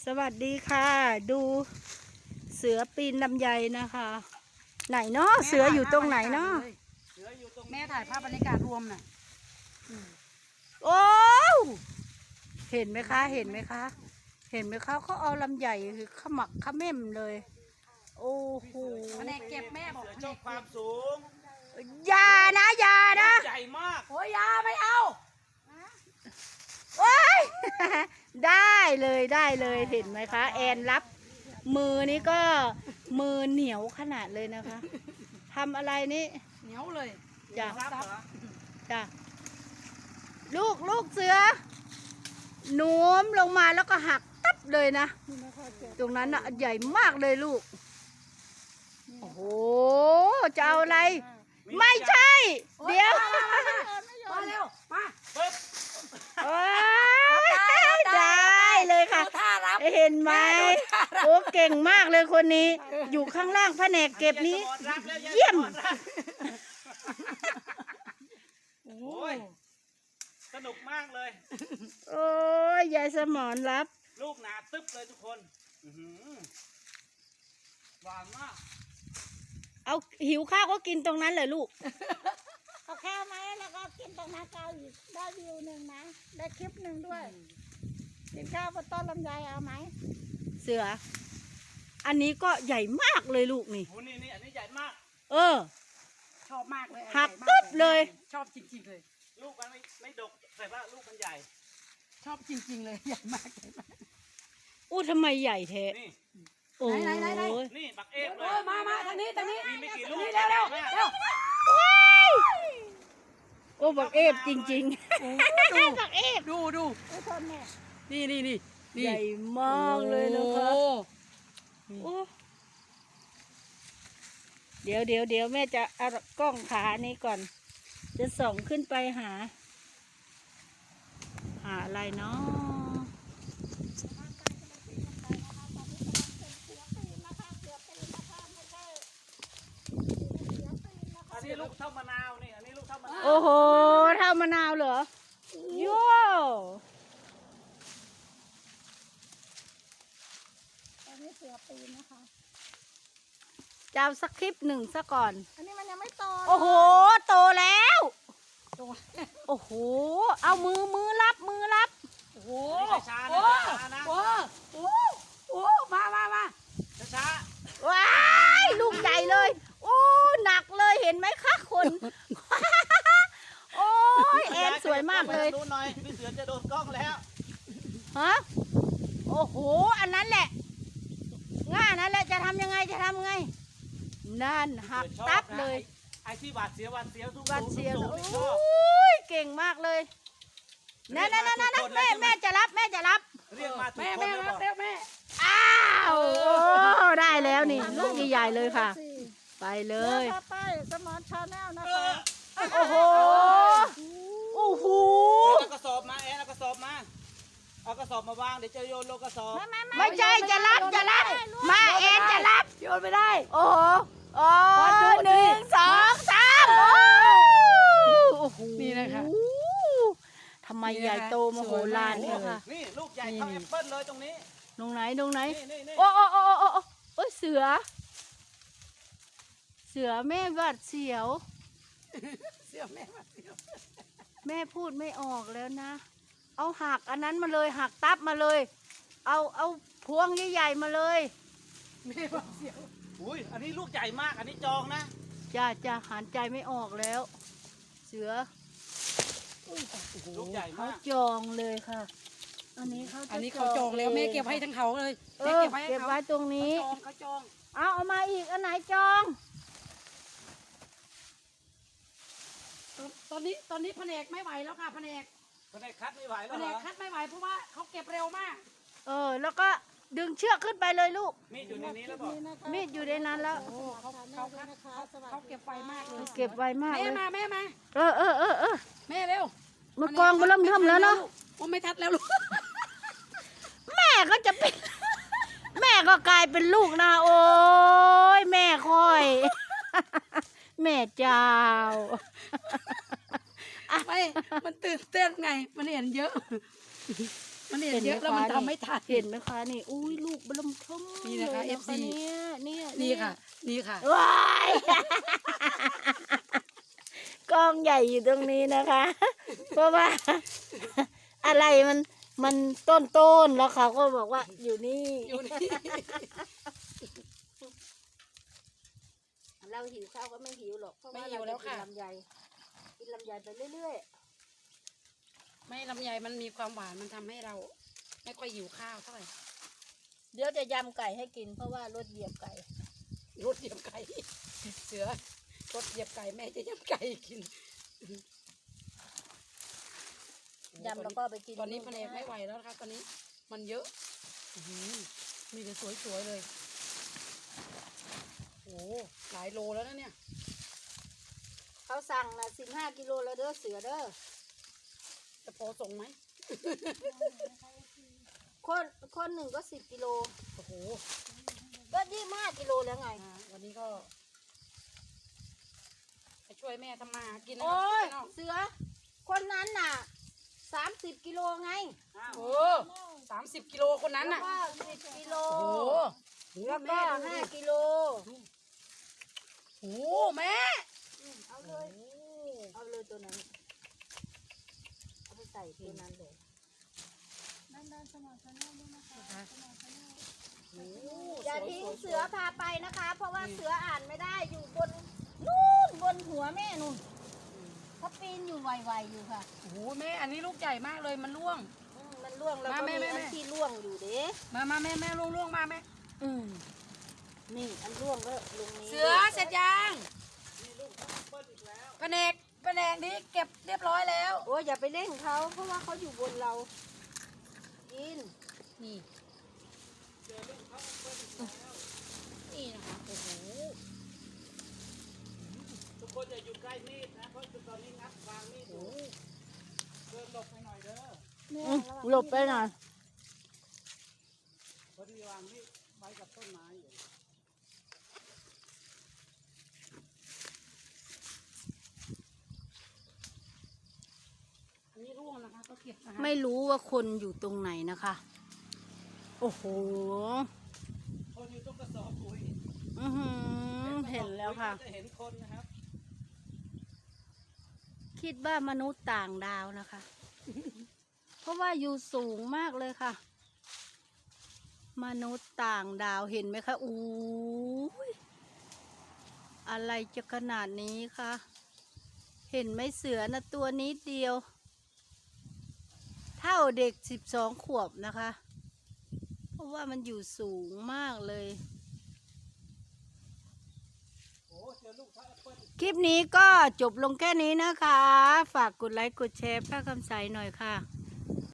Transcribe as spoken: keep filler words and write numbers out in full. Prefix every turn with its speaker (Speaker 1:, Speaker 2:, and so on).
Speaker 1: สวัสดีค่ะ ดูเสือปีนลำไยนะคะ ไหนเนาะเสืออยู่ตรงไหนเนาะ
Speaker 2: แม่ถ่ายภาพบรรยากาศรวมน่ะ
Speaker 1: โอ้เห็นไหมคะ เห็นไหมคะ เห็นไหมคะเขาเอาลำไยคือขมักขม้มเลย โอ้โห
Speaker 2: แผนกเก็บแม่บอก
Speaker 3: ชอบความสูง
Speaker 1: อย่านะอย่านะ
Speaker 3: ใหญ่มาก
Speaker 2: โอ้ยยาไม่เอา
Speaker 1: โอ้ย ได้เลยได้เลยเห็นไหมคะ แอนรับมือนี้ก็มือเหนียวขนาดเลยนะคะทำอะไรนี่
Speaker 2: เหนียวเลย
Speaker 1: จ้ะ
Speaker 3: รับเหรอ
Speaker 1: จ้ะลูกลูกเสือหนูมลงมาแล้วก็หักตับเลยนะตรงนั้นน่ะใหญ่มากเลยลูกโอ้โหจะเอาอะไร ไม่ใช่ เดี๋ยว
Speaker 2: มาเร็ว มา
Speaker 3: ปึ๊บ
Speaker 1: โอ้ยได้เลยค่ะ
Speaker 2: ท่ารับ
Speaker 1: เห็นไหมโอ้เก่งมากเลยคนนี้ อยู่ข้างล่างแผนกเก็บนี้
Speaker 3: รับแล้ว
Speaker 1: เยี่ยม
Speaker 3: โอ้ยสนุกมากเลย
Speaker 1: โอ้ยยายสมอนรับ
Speaker 3: ลูกหนาตึ๊บเลยทุกคนอื้อหือหวานมาก
Speaker 1: เอาหิวข้าวก็กินตรงนั้นเลยลูก
Speaker 4: เอาข้าวไหมแล้วก็กินตรงนั้นก็อีกได้วิวหนึ่งนะได้คลิปหนึ่งด้วยกินข้าวบนต้นลำไยเอาไหม
Speaker 1: เสือ อันนี้ก็ใหญ่มากเลยลูกนี่
Speaker 3: โอ้นี่นี่อันนี้ใหญ่มาก
Speaker 1: เออ
Speaker 2: ชอบมากเลย
Speaker 1: หัก
Speaker 2: ใหญ่มาก
Speaker 1: ตึ๊บเลย
Speaker 2: ชอบจริงๆเลย
Speaker 3: ลูกมันไม่ไม่ดกแต่ว่าลูกมันใหญ่
Speaker 2: ชอบจริงๆเลยใหญ่มากใหญ่มาก
Speaker 1: อู้ทำไมใหญ่แท้
Speaker 3: นี่
Speaker 1: โอ้ย
Speaker 2: ไหนไหนไหน
Speaker 3: นี่บักเอฟเล
Speaker 2: โอ้
Speaker 3: ย
Speaker 2: ยมามาทางนี้ทางนี้
Speaker 3: มีไม่กี่ลูก
Speaker 2: นี่เร็วเร็วเร็ว
Speaker 1: โอ้บักเอฟจริง
Speaker 2: โอ้
Speaker 1: ๆ
Speaker 2: ดู
Speaker 1: บักเอฟ
Speaker 2: ดูดู
Speaker 4: ไอ้ทนเนี่ย
Speaker 2: นี่นี่นี่นี่
Speaker 1: ใหญ่มากเลยนะคะ
Speaker 2: โอ้
Speaker 1: โอ้เดี๋ยวเดี๋ยวเดี๋ยวแม่จะเอากล้องขานี้ก่อน จะส่องขึ้นไปหา หาอะไรเนาะ
Speaker 3: อันนี้ลูกเท่ามะนาวนี่ อันนี้ลูกเท่ามะนาว
Speaker 1: โอ้โหเท่ามะนาวเหรอโย่
Speaker 4: ตอนนี้เสือปีนนะคะ
Speaker 1: จะเอาสักคลิปหนึ่งซะก่อน
Speaker 4: อันนี้มันยังไม่โต
Speaker 1: โอ้โห โตแล้ว
Speaker 2: ตัว
Speaker 1: โอ้โห เอามือมือรับมือรับ
Speaker 2: โอ้โห
Speaker 3: ช้าๆ
Speaker 2: โอ้
Speaker 3: นะช้าๆนะ
Speaker 2: โหโอ้โหมามามา
Speaker 3: ช้า
Speaker 1: ว้ายลูกใหญ่เลย โอ้หนักเลยเห็นไหมคะคน โอ้ย
Speaker 3: ๆ
Speaker 1: แอนสวยมากเลย
Speaker 3: ดูหน่อยพี่เสือจะโดนกล้องแล้ว
Speaker 1: ฮะโอ้โห อันนั้นแหละ ง่านั่นแหละจะทำยังไงจะทำยังไง นั่นหักตับเลย
Speaker 3: ไอ้ที่หวาดเสียวหวาดเสียวทุก
Speaker 1: วัดเสียว
Speaker 3: สู
Speaker 1: โ
Speaker 3: งๆชอบ
Speaker 1: อ้ยเก่งมากเลยนั่นนั่นนั่นนั่นแม่แม่จะรับแม่จะรับ
Speaker 3: เรียกมาถูก
Speaker 2: แม่
Speaker 3: คน
Speaker 2: แม่
Speaker 3: แล้ว
Speaker 2: มา
Speaker 3: บอก
Speaker 2: เร็วแม่
Speaker 1: อ้าวโอ้ได้แล้วนี่ลูกใหญ่ๆเลยค่ะ
Speaker 4: สี่
Speaker 1: ไปเล
Speaker 4: เลย ยไปสมอนชาแนลนะ
Speaker 3: เอ
Speaker 4: คะ
Speaker 3: อ
Speaker 1: โอ้โหโอ้โห
Speaker 3: เอากระสอบมาแอนเอากระสอบมาเอากระสอบมาวางเดี๋ยวจะโยนลงกระสอบ
Speaker 4: ไม่ไม่ไม่
Speaker 1: ไม่ใช่จะรับจะรับมาเอ็นจะรับ
Speaker 2: โยนไม่ได้
Speaker 1: โอ้โหโอ้
Speaker 2: วันดู
Speaker 1: หนึ่งสองสามโอ้โห
Speaker 2: นี่นะคะ
Speaker 1: ทำไมใหญ่โตมโหฬารเนี่ยค่ะ
Speaker 3: นี่ลูกใหญ่เท่าแอปเปิ้ลเลยตรงนี้
Speaker 1: ตรงไหนตรงไหน
Speaker 3: นี่นี่นี่
Speaker 1: โอ้โอ้โอ้โอ้โอ้โอ้ยเสือ เสือแม่หวัดเสียว
Speaker 2: เสียวแม่มาเสียว
Speaker 1: แม่พูดไม่ออกแล้วนะ เอาหักอันนั้นมาเลยหักตับมาเลย เอาเอาพวงใหญ่ๆมาเลย
Speaker 2: แม่มาเสียว
Speaker 3: อุ้ยอันนี้ลูกใหญ่มากอันนี้จองนะ
Speaker 1: จ้าจ้าหันใจไม่ออกแล้ว เสือ
Speaker 3: ลูกใหญ่
Speaker 1: เขา
Speaker 3: มาก
Speaker 1: จองเลยค่ะ อันนี้เขาจะ
Speaker 2: อันนี้เขาจองแล้วแม่เก็บให้ทั้งเขาเลย
Speaker 1: เอ
Speaker 2: แม่
Speaker 1: อ
Speaker 2: เก็บไว้ให้
Speaker 1: เก็บ
Speaker 2: เขา
Speaker 1: ไว้ตรงนี้
Speaker 2: เขาจองเขาจอง
Speaker 1: เอาเอามาอีกอันไหนจอง
Speaker 2: ตอนนี้ตอนนี้แผนกไม่ไหวแล้วค่ะแผนก
Speaker 3: คนไหนคัดไม่ไหว
Speaker 2: แผ
Speaker 3: แล้ว
Speaker 2: น
Speaker 3: เหร
Speaker 2: ก
Speaker 3: อ
Speaker 2: คัดไม่ไหวเพราะว่าเขาเก็บเร็วมาก
Speaker 1: เออ แล้วก็ดึงเชือกขึ้นไปเลยลูก
Speaker 3: มีดอยู่ในนี้แล้วบอก
Speaker 4: นี่นะคะ
Speaker 1: มีดอยู่ในนั้นแล้ว
Speaker 2: โอ้เขาเขาคัดเขาเขาเก็บไวมากเลย
Speaker 1: เก็บไวมาก
Speaker 2: แม่
Speaker 1: เลย
Speaker 2: มาแม่มา
Speaker 1: เออเออเออเออ
Speaker 2: แม่เร็ว
Speaker 1: มือกองมาเริ่มทำแล้วเนาะ
Speaker 2: ว่าไม่ทัดแล้วลูก
Speaker 1: แม่ก็จะเป็น แม่ก็กลายเป็นลูกนะโอ้ยแม่คอย แม่เจ้า
Speaker 2: ไม่มันตื่นเต้นไงมันเห็นเยอะมันเห็นเยอะแล้วมันทำไม่ทัน
Speaker 1: เห็นไหมคะนี่อุ้ยลูกบลมทม
Speaker 2: นี่นะคะ
Speaker 1: ลย
Speaker 2: เอฟซี
Speaker 1: เนี่ยเนี่ย
Speaker 2: นี่ค่ะ นี่ค่ะ
Speaker 1: ว้ายกล้องใหญ่อยู่ตรงนี้นะคะ เพราะว่า อะไรมันมันต้นต้นๆแล้วเขาก็บอกว่าอยู่นี่
Speaker 2: อยู่นี่
Speaker 1: เราหิวข้าวก็ไม่หิวหรอกเพราะว่า
Speaker 2: ไม่หิ
Speaker 1: เรา
Speaker 2: วแล้ว
Speaker 1: จะกิน
Speaker 2: ค่ะ
Speaker 1: ลำไยกินลำไยไปเรื่อย
Speaker 2: ไม่ลำไยมันมีความหวานมันทำให้เรา ไม่ค่อยหิวข้าวเท่าไหร่
Speaker 1: ๆเดี๋ยวจะยำไก่ให้กินเพราะว่ารถเหยียบไก่
Speaker 2: รสเหยียบไก่ เสือรสเหยียบไก่แม่จะยำไก่กิน
Speaker 1: ยำแล้วก็ไปกิน
Speaker 2: ตอนนี้แผนกไม่ไหวแล้วนะคะตอนนี้มันเยอะอื้อหือมีแต่สวยๆเลยโอ้หลายโลแล้วนะเนี่ย
Speaker 1: เขาสั่งนะสิบห้ากิโลแล้วเด้อเสือเด้อ
Speaker 2: จะพอส่งไหม
Speaker 1: คนคนหนึ่งก็สิบกิโล
Speaker 2: โอ้โห
Speaker 1: ก็ยี่ห้ากิโลแล้วไง
Speaker 2: อ่าวันนี้ก็ไปช่วยแม่ทำมาหากินนะ
Speaker 1: โอ้ย
Speaker 2: พี่น้อง
Speaker 1: เสือ คนนั้นน่ะสามสิบกิโลไง
Speaker 2: โอ้สามสิบกิโลคนนั้น
Speaker 1: แล้ว
Speaker 2: น่ะ
Speaker 1: ก็สิบกิโล
Speaker 2: โอ้โห
Speaker 1: แล้วก็
Speaker 2: แม่ดูดิ
Speaker 1: ห้ากิโล
Speaker 2: โอ้โหแม่
Speaker 1: อืมเอาเลย เอาเลยตัวนั้น เอาไปใส่ตัวนั้นเลย
Speaker 2: โอ้โห
Speaker 1: อย่าทิ้ง
Speaker 2: สวยๆ
Speaker 1: เสือพาไปนะคะ เพราะว่าเสืออ่านไม่ได้อยู่บนนู่นบนหัวแม่นู่นเขาปีนอยู่ไวๆอยู่ค่ะ
Speaker 2: โอ้โหแม่อันนี้ลูกใหญ่มากเลยมันร่วง
Speaker 1: อืมมันล่วงแล้ว
Speaker 2: มา
Speaker 1: ก็
Speaker 2: แม่
Speaker 1: มี
Speaker 2: แม่
Speaker 1: อัน
Speaker 2: แม่
Speaker 1: ที่ล่วงอยู่เด้
Speaker 2: มามาแม่แม่ร่วงร่วงมาแม่
Speaker 1: อืมนี่อันล่วงก็ลงนี้
Speaker 2: เสือเสร็จยังแผนกแผนกนี้เก็บเรียบร้อยแล้ว
Speaker 1: โอ้ยอย่าไปเล่นเขาเพราะว่าเขาอยู่บนเรา กิน
Speaker 2: นี่นี่นะคะโอ้โห
Speaker 3: ทุกคนอย่าอยู่ใกล้มีดนะเพราะตอนนี้งัดวางมีดอยู่เดินหลบไปหน่อยเด้อ
Speaker 1: อืมหลบไปหน่อย
Speaker 3: พอดีวางมีดไว้กับต้นไม้อยู่
Speaker 2: อันนี้ร่วงนะคะก็เก็บนะคะ
Speaker 1: ไม่รู้ว่าคนอยู่ตรงไหนนะคะ โอ้โห
Speaker 3: คนอยู่ตรงกระสอบปุ๋ย
Speaker 1: อือหือเห็นแล้วค่ะ
Speaker 3: จะเห็นคนนะครับ
Speaker 1: คิดว่ามนุษย์ต่างดาวนะคะ เพราะว่าอยู่สูงมากเลยค่ะ มนุษย์ต่างดาวเห็นไหมคะอู้ยอะไรจะขนาดนี้คะ เห็นไหมเสือนะตัวนี้เดียว เท่าเด็กสิบสองขวบนะคะ เพราะว่ามันอยู่สูงมากเลย
Speaker 3: โอ้เจอลูกพระแอปเปิ้ล
Speaker 1: คลิปนี้ก็จบลงแค่นี้นะคะ ฝากกดไลค์กดแชร์พระคำใสหน่อยค่ะ